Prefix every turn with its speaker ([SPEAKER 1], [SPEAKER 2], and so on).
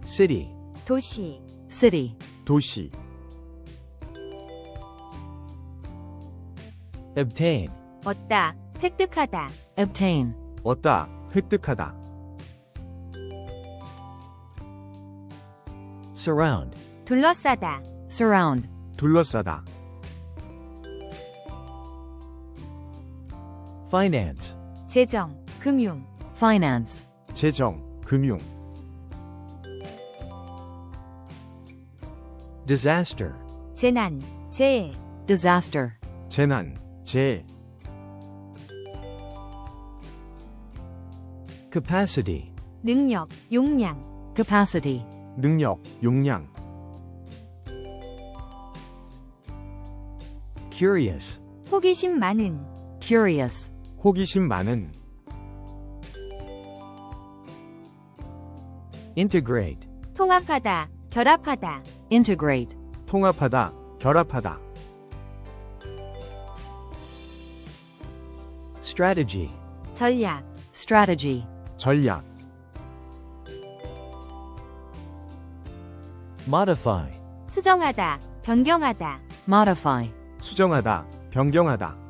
[SPEAKER 1] city,
[SPEAKER 2] 도시,
[SPEAKER 3] city,
[SPEAKER 4] 도시,
[SPEAKER 1] obtain,
[SPEAKER 2] 얻다, 획득하다,
[SPEAKER 3] obtain,
[SPEAKER 4] 얻다, 획득하다,
[SPEAKER 1] surround,
[SPEAKER 2] 둘러싸다,
[SPEAKER 3] surround,
[SPEAKER 4] 둘러싸다,
[SPEAKER 1] finance,
[SPEAKER 2] 재정, 금융,
[SPEAKER 3] finance,
[SPEAKER 4] 재정, 금융,
[SPEAKER 1] disaster,
[SPEAKER 2] 재난, 재해,
[SPEAKER 3] disaster,
[SPEAKER 4] 재난, 재해,
[SPEAKER 1] capacity,
[SPEAKER 2] 능력, 용량,
[SPEAKER 3] capacity,
[SPEAKER 4] 능력, 용량,
[SPEAKER 1] curious,
[SPEAKER 2] 호기심 많은,
[SPEAKER 3] curious,
[SPEAKER 4] 호기심 많은,
[SPEAKER 1] integrate,
[SPEAKER 2] 통합하다, 결합하다,
[SPEAKER 3] integrate,
[SPEAKER 4] 통합하다, 결합하다,
[SPEAKER 1] strategy,
[SPEAKER 2] 전략,
[SPEAKER 3] strategy,
[SPEAKER 4] 전략,
[SPEAKER 1] modify,
[SPEAKER 2] 수정하다, 변경하다,
[SPEAKER 3] modify,
[SPEAKER 4] 수정하다, 변경하다,